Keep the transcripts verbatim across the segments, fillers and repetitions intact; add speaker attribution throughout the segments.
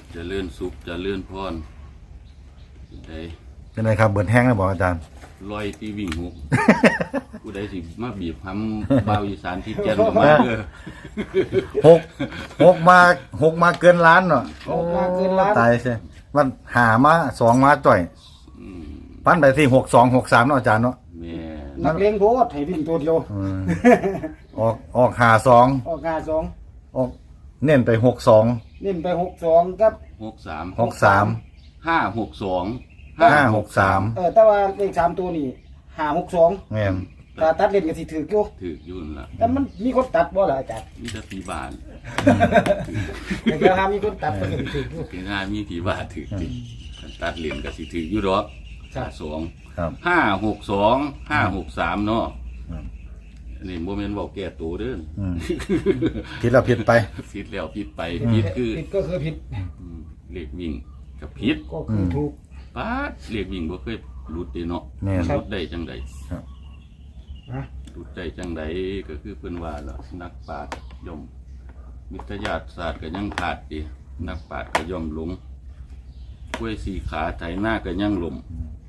Speaker 1: จะเลื่อนสุขจะเลื่อนพรได้
Speaker 2: เป็นไรครับเบิดแห้งแล้วบอกอาจารย์
Speaker 1: ลอยตีวิ่งหกผู้ใดสิมาบีบทำบ่าวอีสานที่แก่นออกมาเด้อ
Speaker 2: หกหกมาหกมาเกินล้านเนาะ
Speaker 3: หกมาเกินล้าน
Speaker 2: ตายใช่มันหามาสองมาจ่อย
Speaker 1: อืม
Speaker 2: พันไปที่หกสองหกสามเนาะอาจารย์เนาะ
Speaker 1: แม่
Speaker 3: นักเลงโพดให้วิ่งตัวเดียว
Speaker 2: อืมออกออกหาสอง
Speaker 3: ออกงาสอง
Speaker 2: ออกเน้นไปหกสอง
Speaker 3: เน้นไปหกสองกับ
Speaker 1: หกสาม
Speaker 2: หกสาม
Speaker 1: ห้าหกสอง
Speaker 2: ห้าหกสาม
Speaker 3: เออแต่ว่าเลขสามตัวนี่ห้าหกสอง
Speaker 2: แม่น
Speaker 3: ถ้าตัดเล่นก็สิถืออยู่
Speaker 1: ถือยุ่นละ
Speaker 3: แต่มันมีคนตัดบ่ล่ะอาจารย์
Speaker 1: มีแต่ผีบาน
Speaker 3: แต่ก็หามีคนตัดก็สิถืออยู่
Speaker 1: ถึงห้ามีผีบานถือจริงตัดเหรียญก็สิถืออยู่ดอก
Speaker 3: ครับ
Speaker 1: ห้าสอง
Speaker 2: ครับ
Speaker 1: ห้าหกสองห้าหกสามเนาะ
Speaker 2: ครับ
Speaker 1: นี่โมเมนต์บอกแก่ตัวเด้อ
Speaker 2: อืมผิดเราผิดไป
Speaker 1: ผิดแล้วผิดไปผิดคือ
Speaker 3: ผิดก็คือผิด
Speaker 1: อืมเลขวิ่งกับผิด
Speaker 3: ก็คือถูก
Speaker 1: ป้าดเลขวิ่งบ่เคยหลุดเด้เนาะ
Speaker 2: แม่น
Speaker 1: หลุดได้จังใด
Speaker 2: ครับ
Speaker 3: นะ
Speaker 1: หลุดได้จังใดก็คือเพิ่นว่าล่ะนักปราชญ์ย่อมวิทยาศาสตร์ก็ยังขาดดินักปราชญ์ก็ย่อมหลงกล้วยสี่ขาไถหน้าก็ยังหลม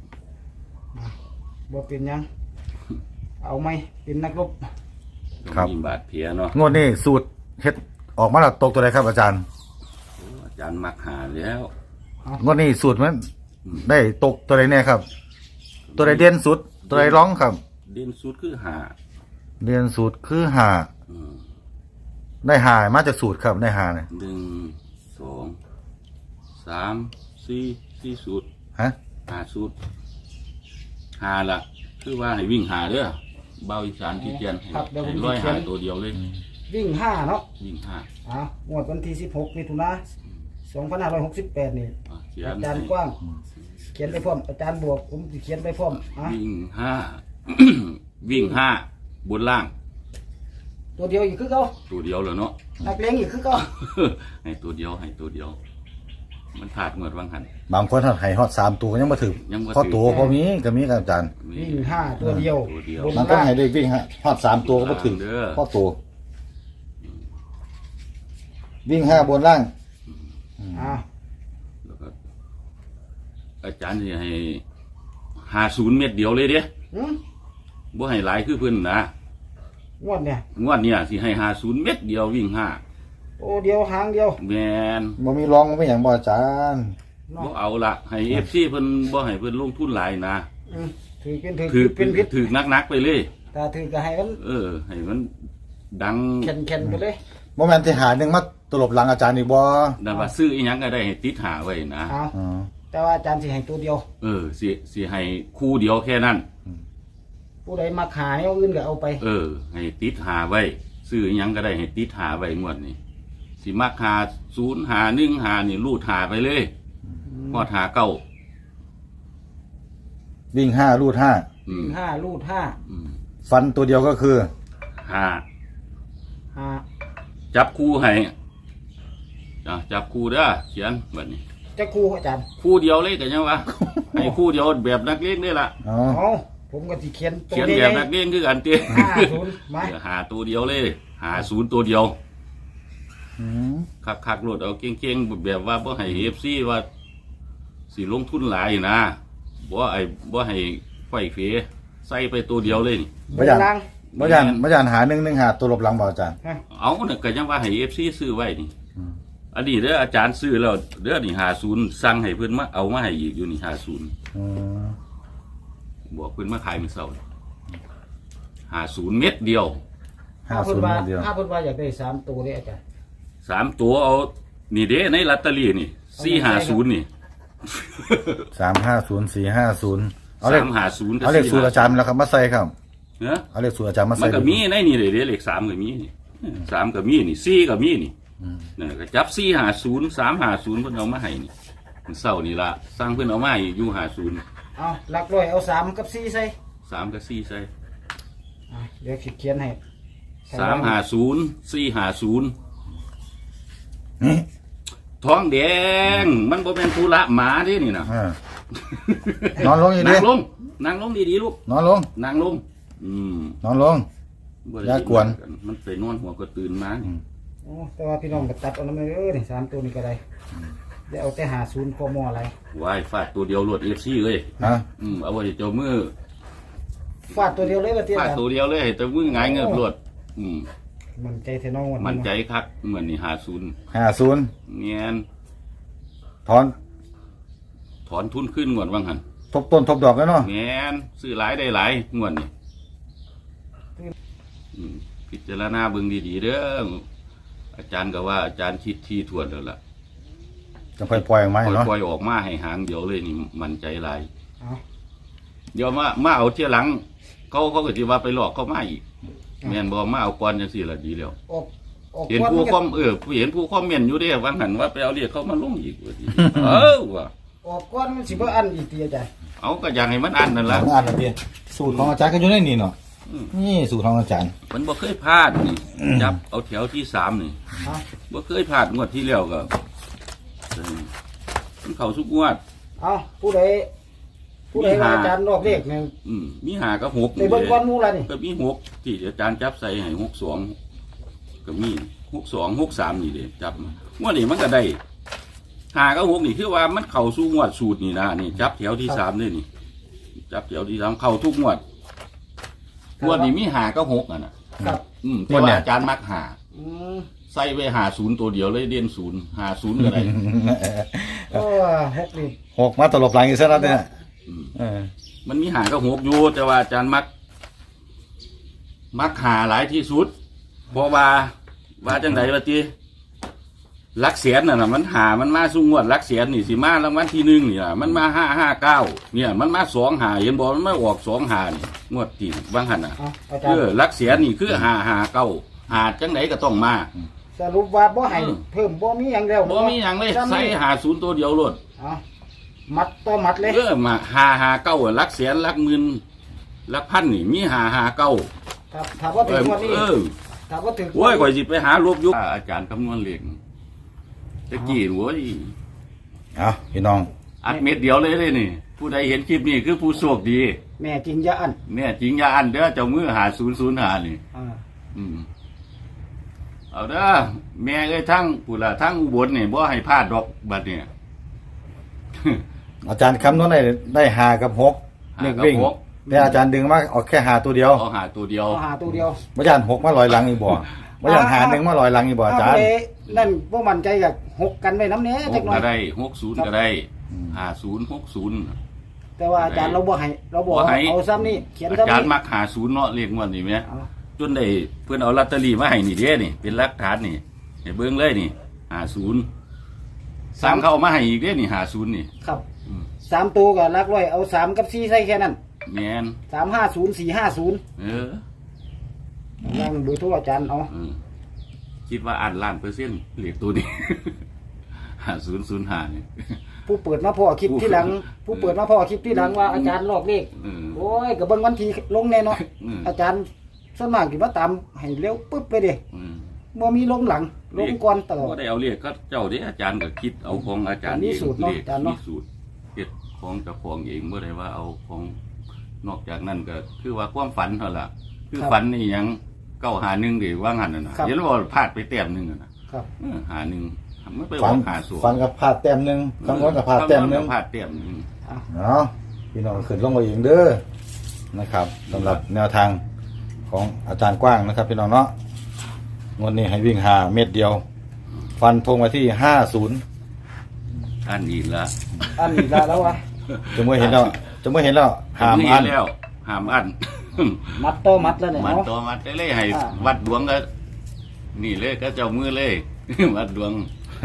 Speaker 3: บ่เป็นหยัง เอาไหมเป็นนักรบ
Speaker 1: ต้อง
Speaker 2: ครับ
Speaker 1: มีบาดแผลเนาะ
Speaker 2: งวดนี้สูตรเฮ็ดออกมาแล้วตกตัวใดครับอาจารย์
Speaker 1: โอ้อาจารย์มักหาแล้ว
Speaker 2: งวดนี้สูตรมันได้ตกตัวใดแน่ครับ ตัวใดเด่นสุด ตัวใดร้องครับ
Speaker 1: เด่นสุดคือหา
Speaker 2: เด่นสูตรคือหา
Speaker 1: อืม
Speaker 2: ได้หามาจากสูตรครับได้หาเนี่ย
Speaker 1: หนึ่งสองสามสี่สี่สุด
Speaker 2: ฮะ
Speaker 1: หาสุดหาละคือว่าให้วิ่งหาเด้อเบาอีสานที่เจียนให้ให้ร้อยหาตัวเดียวเลย
Speaker 3: วิ่งห้าเนาะ
Speaker 1: วิ่งห้า
Speaker 3: อ่างวดวันที่สิบหกมิถุนาสองพันห้าร้อยหกสิบแปดนี่
Speaker 1: อ่ะเขีย
Speaker 3: อาน จารย์กว้าง เขียนไปพร้อมอาจารย์บวกผมสิเขียนไปพร้อมอ่ะ
Speaker 1: วิ่งห้า วิ่งห้าบนล่าง
Speaker 3: ตัวเดียวอีกคือเก่า
Speaker 1: ตัวเดียวเลยเนาะ
Speaker 3: นักเลงอีกคือเก่า
Speaker 1: ให้ตัวเดียวให้ตัวเดียว มันขาดเงินวังหัน
Speaker 2: บางคนให้ฮอดสามตัวก็ยังมาถึง
Speaker 1: ยังบ่ถึง
Speaker 2: พอตัวพอมีก็มีครับอาจารย์
Speaker 3: วิ่งห้าตัวเดียว
Speaker 1: ตัวเดียว
Speaker 3: บน
Speaker 2: บางคนให้ได้วิ่งฮะฮอดสามตัวก็มาถึง
Speaker 1: เด้อ
Speaker 2: พอตัว วิ่งห้าบนล่าง
Speaker 3: อ่า
Speaker 1: แล้วก็อาจารย์จะให้หาศูนย์เม็ดเดียวเลยเด้
Speaker 3: หืม
Speaker 1: บ่ให้หลายคือเพิ่นนะ
Speaker 3: งวดเนี่ย
Speaker 1: งวดเนี่ยสิให้หาศูนย์เม็ดเดียววิ่งห้า
Speaker 3: โอ้เดียวหางเดียว
Speaker 1: แมน
Speaker 2: บ่มีร้องบ่มีหยังบ่อาจารย์
Speaker 3: เนาะ
Speaker 1: บ่เอาละให้เอฟซีเพิ่นบ่ให้เพิ่นลงทุนหลายนะ
Speaker 3: อืมถือเป็นถือ
Speaker 1: ถือ
Speaker 3: เป็นพิษ
Speaker 1: ถือนักๆไปเลย
Speaker 3: ถ้าถือก็ให้มัน
Speaker 1: เออ ให้มันดัง
Speaker 3: แข็งแข็งไปเลย
Speaker 2: บ่แม่นที่หาหนึงมาตลบหลังอาจารย์อีกบ่
Speaker 1: นั่นว่าซื้ออีหยังก็ได้ให้ติดหาไว้นะ
Speaker 3: เอา
Speaker 2: อ๋อ
Speaker 3: แต่ว่าอาจารย์สิให้ตัวเดียว
Speaker 1: เออสิสิให้คู่เดียวแค่นั้น
Speaker 3: ผู้ใดมาขายเอาอื่นก็เอาไป
Speaker 1: เออ ให้ติดหาไว้ซื้ออีหยังก็ได้ให้ติดหาไว้งวดนี้สิมักหาศูนย์หาหนึ่งหานี่รูดหาไปเลยพอดหาเก้า
Speaker 2: วิ่งห้ารูดห้า
Speaker 1: อืม
Speaker 3: ห้ารูดห้า
Speaker 1: อืม
Speaker 2: ฟันตัวเดียวก็คือ
Speaker 1: หา
Speaker 3: ห้า
Speaker 1: จับคู่ให้จ้ะจับคู่เด้อเขียนแบบนี้
Speaker 3: จะครูอาจารย์
Speaker 1: คู่เดียวเลยกันยังวะ ให้คู่เดียวแบบนักเลี้ยงนี่ล่ะ
Speaker 2: อ๋อ
Speaker 3: เอาผมก็สิเขียนตัว
Speaker 1: เขียน
Speaker 3: ให
Speaker 1: แบ
Speaker 3: ญ่
Speaker 1: บนักเลี้ยงคือกันเตี้ย
Speaker 3: ห้าศูนย์มา
Speaker 1: หาตัวเดียวเลย หาศูนย์ตัวเดียว
Speaker 2: อืม
Speaker 1: คักคักๆโหลดเอาเก่งๆแบบว่าบ่ให้เอฟซีว่าสิลงทุนหลายนะบ่ไอ้บ่ให้ไฟเฟใส่ไปตัวเดียวเลยนี่
Speaker 3: บนล่าง
Speaker 2: บ่ยันบ่ยันหาหนึ่งหนึ่งหาตัวหลบหลังบ่อาจารย์
Speaker 3: ฮะ
Speaker 1: เอาเนี่ยก็ยังว่าให้เอฟซีซื้อไว้นี่
Speaker 2: อืม
Speaker 1: อันนี้เด้ออาจารย์ซื้อแล้วเด้อนี่หาศูนย์สั่งให้เพิ่นมาเอามาให้อีกอยู่นี่หาศูนย์
Speaker 2: อืม
Speaker 1: บอกเพิ่นมาขายมื้อเช้าหาศูนย์เม็ดเดียว
Speaker 2: ห้า
Speaker 3: ถ้า
Speaker 2: ศู
Speaker 3: เพิ่
Speaker 2: น
Speaker 3: น
Speaker 2: ย์
Speaker 3: ว่า
Speaker 2: เดียว
Speaker 3: ถ้าเพิ่นว่าอยากได้สามตัวเลยอาจารย์
Speaker 1: สามตัวเอานี่เด้ในลอตเตอรี่นี่สี่หาศูนย์นี่
Speaker 2: สามห้าศูนย์สี่ห้าศูนย์เอาเลข
Speaker 1: สามหาศูนย์
Speaker 2: เอาเลขสูตรอาจารย์แล้วครับมาใส่ครับ
Speaker 1: เนาะ
Speaker 2: เอาเลขสูตรอาจารย์มา
Speaker 1: มั
Speaker 2: ใส่
Speaker 1: นก็มีในนี่เลยเด้เลขสามก็มีนี่สามก็มีนี่สี่ก็มีนี่
Speaker 2: อืม
Speaker 1: เนี่ยก็จับสี่หาศูนย์สามหาศูนย์เพิ่นเอามาให้นี่มันเศร้านี่ละสร้างเพิ่นเอามาให้อยู่หาศูนย์
Speaker 3: เอาหลักร้อยเอาสามกับสี่ใส่
Speaker 1: สามกับสี่ใส่
Speaker 3: อ่ะเดี๋ยวสิเขียนให้
Speaker 1: สามหาศูนย์สี่หาศูนย์
Speaker 2: นี่
Speaker 1: ท้องแดงมันบ่เป็นธุระหมาเด้นี่นะ
Speaker 2: อ่า นอนลงอีกดิ
Speaker 1: นั่งลงนั่งลงดีๆลูก
Speaker 2: นอนลง
Speaker 1: นั่งลง อืม
Speaker 2: นอนลง
Speaker 1: บ่ได้
Speaker 2: อย่ากวน
Speaker 1: มันไปนอนหัวก็ตื่นมา
Speaker 2: อืม
Speaker 3: โอ้แต่ว่าพี่น้องก็ตัดเอาน้ำมันเออนี่สามตัวนี้ก็ได้ได้เอาแต่หาศูนย์กมอะไร
Speaker 1: วายฟาดตัวเดียวรวดเอฟซีเลย
Speaker 2: ฮะ
Speaker 1: อืมเอาไว้เจ้ามือ
Speaker 3: ฟาดตัวเดียวเลยว่าเตี้ย
Speaker 1: ฟาด
Speaker 3: กัน
Speaker 1: ตัวเดียวเลยให้เจ้ามือหงายเงิบรวดอืม
Speaker 3: มันใจเทนองวัน
Speaker 1: มันใจ
Speaker 3: นี้
Speaker 1: คักเหมือนนี่หาศูนย์
Speaker 2: ห้าศูนย์
Speaker 1: เนียน
Speaker 2: ถอน
Speaker 1: ถอนทุนขึ้นงวดว่างหัน
Speaker 2: ทบต้นทบดอกแล้วเนาะ
Speaker 1: เนียนซื้อหลายได้หลายงวดนี่อืมพิจารณาเบิ่งดีๆเด้ออาจารย์ก็ว่าอาจารย์คิดที่ทวนแล้วล่ะ
Speaker 2: จะค่อยปล่อยออกมาให้เนาะ
Speaker 1: ปล่อยออกมาให้หางเดียวเลยนี่มันใจหลาย
Speaker 3: เอา
Speaker 1: เดี๋ยวมามาเอาเที่ยหลัง เขาเขาก็จะว่าไปหลอกเขามาอีกแม่นบอกมาเอาก่อนจังสี่ละดีแล้ว
Speaker 3: ออกออก
Speaker 1: เห็น
Speaker 3: ก้อน
Speaker 1: ผู้
Speaker 3: มัน
Speaker 1: ค
Speaker 3: ก็
Speaker 1: อมเออผู้เห็นผู้คอมเมนต์อยู่เด้ว่าหันว่าไปเอาเรียกเขามาลงอีกว่าดี เออว่ะ
Speaker 3: ออกก้อนมันสิบ่อันอีกเตียจ้ะ
Speaker 1: เอาก็อยากให้มันอันนั่นละ
Speaker 2: อ่านนะพี่สูตรของอาจารย์ก็อยู่ในนี่เนาะ
Speaker 1: อืม
Speaker 2: นี่สูตรของอาจารย์
Speaker 1: มันบ่เคยพลาดนี่จับเอาแถวที่สามนี่
Speaker 3: เอา
Speaker 1: บ่เคยพลาดงวดที่แล้วก็เออมันเข้าทุกงวด
Speaker 3: เอาผู้ใดผู้ใดว่าอาจารย์รอบเลขเนี่ย
Speaker 1: อืมมีหาก็หก
Speaker 3: ในเบิ่งก้อนหมูละนี่
Speaker 1: ก็มีหกที่อาจารย์จับใส่ให้หกสองก็มีหกสองหกสามนี่เด้จับมางวดนี้มันก็ได้หาก็หกนี่คือว่ามันเข้าสู่งวดสูตรนี่นะนี่จับแถวที่สามเลยนี่ จับแถวที่สามเข้าทุกงวดงวดนี้มีหาก็หกอ่ะนะครับ อืมแต่ว่าอาจารย์มักหา
Speaker 3: อืม
Speaker 1: ใส่ไปหาศูนย์ตัวเดียวเลยเด่นศูนย์หาศูนย์อะไร
Speaker 3: โอ้หกนี่
Speaker 2: หกมาตลบหลังอีกสักนัดเนี่ย
Speaker 1: อืม
Speaker 2: เออ
Speaker 1: มันมีหาก็หกอยู่แต่ว่าอาจารย์มัก มักหาหลายที่สุดเพราะว่าว่าจังไดว่าตีลักเสียนน่ะนะมันหามันมาสุ่งวดลักเสียนนี่สิมารางวัลที่หนึ่งนี่ล่ะมันมาห้าห้าเก้าเนี่ย มันมาสองหาเห็นบอกมันไม่ออกสองหานี่งวดที่บางหันน่ะ
Speaker 3: เอาอาจาร
Speaker 1: เออ
Speaker 3: ย์
Speaker 1: ลักเสียนนี่คือหาหาเก้าหาจังไดก็ต้องมา
Speaker 3: สรุปว่าบ่ให้เพิ่มบ่มีหยังแล้ว
Speaker 1: บ่มีหยังเลย
Speaker 3: ซ้ำ
Speaker 1: ใส่
Speaker 3: นี่
Speaker 1: หาศูนย์ตัวเดียวโลด
Speaker 3: เอามัดต่อมัดเลย
Speaker 1: เออมาหาหาเก้าอะลักเสียนลักหมื่นลักพันนี่มีหาหาเก้า
Speaker 3: ครับถามว่า
Speaker 1: เอ
Speaker 3: ถึง
Speaker 1: อ
Speaker 3: วันนี้
Speaker 1: เออ
Speaker 3: ถามว่าถึง
Speaker 1: โอ้ยก่อยสิไปหารวบยุคอาจารย์คำนวณเลขตะกี้โว้ย
Speaker 2: เอาพี่น้อง
Speaker 1: อัดเม็ดเดียวเลยเลยนี่ ผู้ใดเห็นคลิปนี้คือผู้โชคดี
Speaker 3: แม่จริงอย่าอัน
Speaker 1: เนี่ยจริงอย่าอันเด้อเจ้ามือหาศูนย์ศูนย์หานี่
Speaker 3: อ่า
Speaker 1: อืมเอาเด้อแม่เอ้ยทั้งผู้ละทั้งอุบลนี่บ่ให้พลาดดอกบัดเนี่ย
Speaker 2: อาจารย์คำนวณได้ได้หากับหก
Speaker 1: หา
Speaker 2: เด็ก
Speaker 1: กับ
Speaker 2: วิ่ง
Speaker 1: หก
Speaker 2: แต่อาจารย์ดึงมาเอาแค่หาตัวเดียว
Speaker 1: เอาหาตัวเดียว
Speaker 3: เอาหาตัวเดียว
Speaker 2: ไม่ยานหกมาลอยหลังอีกบ่ไม่ยานหาหนึ่งมาลอยหลังอีกบ่อาจารย์
Speaker 3: เเลยนั่นบ่มั่นใจกับหกกันไว้น้ำเนี้ย
Speaker 1: ห
Speaker 3: จั
Speaker 1: ก
Speaker 3: กหน่อ
Speaker 1: ก็
Speaker 3: ย
Speaker 1: ได้หกศูนย์ก็ได้หาศูนย์หกศูนย์
Speaker 3: แต่ว่าอาจารย์เราบ่ให้เราบอก
Speaker 1: บ่ให้
Speaker 3: เอาซ้ำนี่เขียน
Speaker 1: อา
Speaker 3: ซ้ำ
Speaker 1: จารย์
Speaker 3: นี่
Speaker 1: มักหาศูนย์เนาะเรียกงวดนี่ไหม
Speaker 3: เอา
Speaker 1: จนได้เพื่อนเอาลอตเตอรี่มาให้นี่เด้นี่เป็นหลักฐานนี่ให้เบิ้งเลยนี่หาศูนย์สามเขาเอามาให้อีกเด้นี่หาศูนย์นี่
Speaker 3: ครับ
Speaker 1: อืม
Speaker 3: สามตัวกับลักร้อยเอาสามกับสี่ใส่แค่นั้น
Speaker 1: แมน
Speaker 3: สามห้าศูนย์สี่ห้าศูนย์
Speaker 1: เออ
Speaker 3: ยังเบอร์โทรอาจารย์เอา
Speaker 1: เออคิดว่าอ่านล้านเปอร์เซ็นต์เหลียกตัวนี้ หาศูนย์ศูนย์หานี่
Speaker 3: ผู้เปิดมาพ่อคลิปที่หลัง ผู้เปิดมาพ่อคลิปที่หลังว่าอาจารย์ลอกเลข
Speaker 1: เออ
Speaker 3: โอ้ยกับเบิ้งวันทีลงแน่เนอน
Speaker 1: อืม
Speaker 3: อาจารย์ส่วนมากกี่ว่าตามให้เร็วปึ๊บไปเด้
Speaker 1: อืม
Speaker 3: บ่มีลงหลังลงก่อนตลอด
Speaker 1: ก็ได้เอาเรียกก็เจ้าเด้อาจารย์ก็คิดเอาของอาจารย์
Speaker 3: อันนี้
Speaker 1: เอง
Speaker 3: สูตรเนาะ
Speaker 1: เรียก
Speaker 3: อาจารย์เนาะ
Speaker 1: มีสูตรเฮ็ดของเจ้าของเองเมื่อไรว่าเอาของนอกจากนั้นก็คือว่าความฝันเท่าล่ะคือฝันนี่หยังเก้าหาหนึ่งดิว่างันน่ะนะเห็นว่าพลาดไปแต้มหนึ่งอะนะครับ เออหาหนึ่งไม่ไปอ
Speaker 2: ฟั
Speaker 1: อน กหาสู
Speaker 2: ฟันกับพลาดแต้มหนึ่งคำนวณกับพลาดแต้มหนึ่ง
Speaker 1: พลาดแต้มหนึ่ง
Speaker 2: เนาะพี่น้องขึ้นลงมาเองเด้อนะครับสำหรับแนวทางของอาจารย์กว้างนะครับ พี่น้องเนาะงวดนี้ให้วิ่งหาเม็ดเดียว ฟันธงมาที่ห้าศูนย์
Speaker 1: อันอีกละ
Speaker 3: อันนี้ละแล้ววะ
Speaker 2: จะเมื่อเห็นแล้วจะเมื่อเห็นแล้วหามอัน
Speaker 1: แล้วหามอัน
Speaker 3: มัดต่อมัดแล้วเนี่ย
Speaker 1: มัน
Speaker 3: เนาะ
Speaker 1: ตัวมัดได้เลยให้
Speaker 3: อ่า
Speaker 1: วัดดวงก็ นี่เลยก็เจ้ามือเลย วัดดวง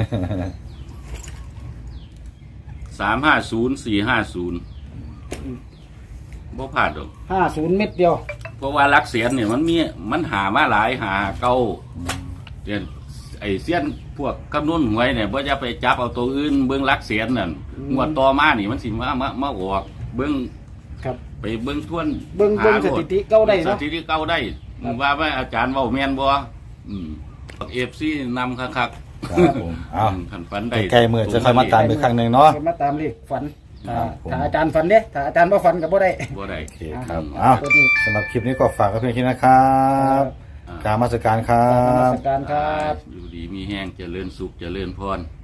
Speaker 1: สามห้าศูนย์สี่ห้าศูนย์บ่พลาดหรอก
Speaker 3: ห้าศูนย์เม็ดเดียว
Speaker 1: เพราะว่าลักเสียนเนี่ยมันมีมันหามาหลายหาเก้าเดี๋ยวไอ้เสี้ยนพวกคำนวณหวยเนี่ยว่าจะไปจับเอาตัวอื่นเบิ้งลักเสียนนั่น
Speaker 3: อืม
Speaker 1: งวดต่อมานี่มันสิมามามาออกเบิ้ง
Speaker 3: ครับ
Speaker 1: ไปเบิ้งทวน
Speaker 3: เบิ่งเบิ่ง
Speaker 1: หาโล
Speaker 3: สถิติเก่าได้เนาะ
Speaker 1: สถิติเก้าได้
Speaker 3: ครับ
Speaker 1: ว่าว่าอาจารย์เว่าแมนบ่อืมเอฟซีนำคักคัก
Speaker 2: ครับผมเอา
Speaker 1: ขันฝันได้
Speaker 2: ใกล้ๆมือจะค่อยมาตามอีกครั้งหนึ่งเนาะ
Speaker 3: เพิ่นมาตามเลขฝันถ้า
Speaker 2: ครับผม
Speaker 3: ถ้าอาจารย์ฝันเด้ถ้าอาจารย์บ่ฝันก็บ่ได้
Speaker 1: บ่ได้
Speaker 2: โอเคครับ
Speaker 1: อืม
Speaker 2: เอาสำหรับคลิปนี้ก็ฝากกับเพื่อนคิดนะครับกรารมาสการครั
Speaker 3: นมั
Speaker 2: บ
Speaker 3: สการครับ
Speaker 1: อยู่ดีมีแห้งเจริญสุขเจริญพร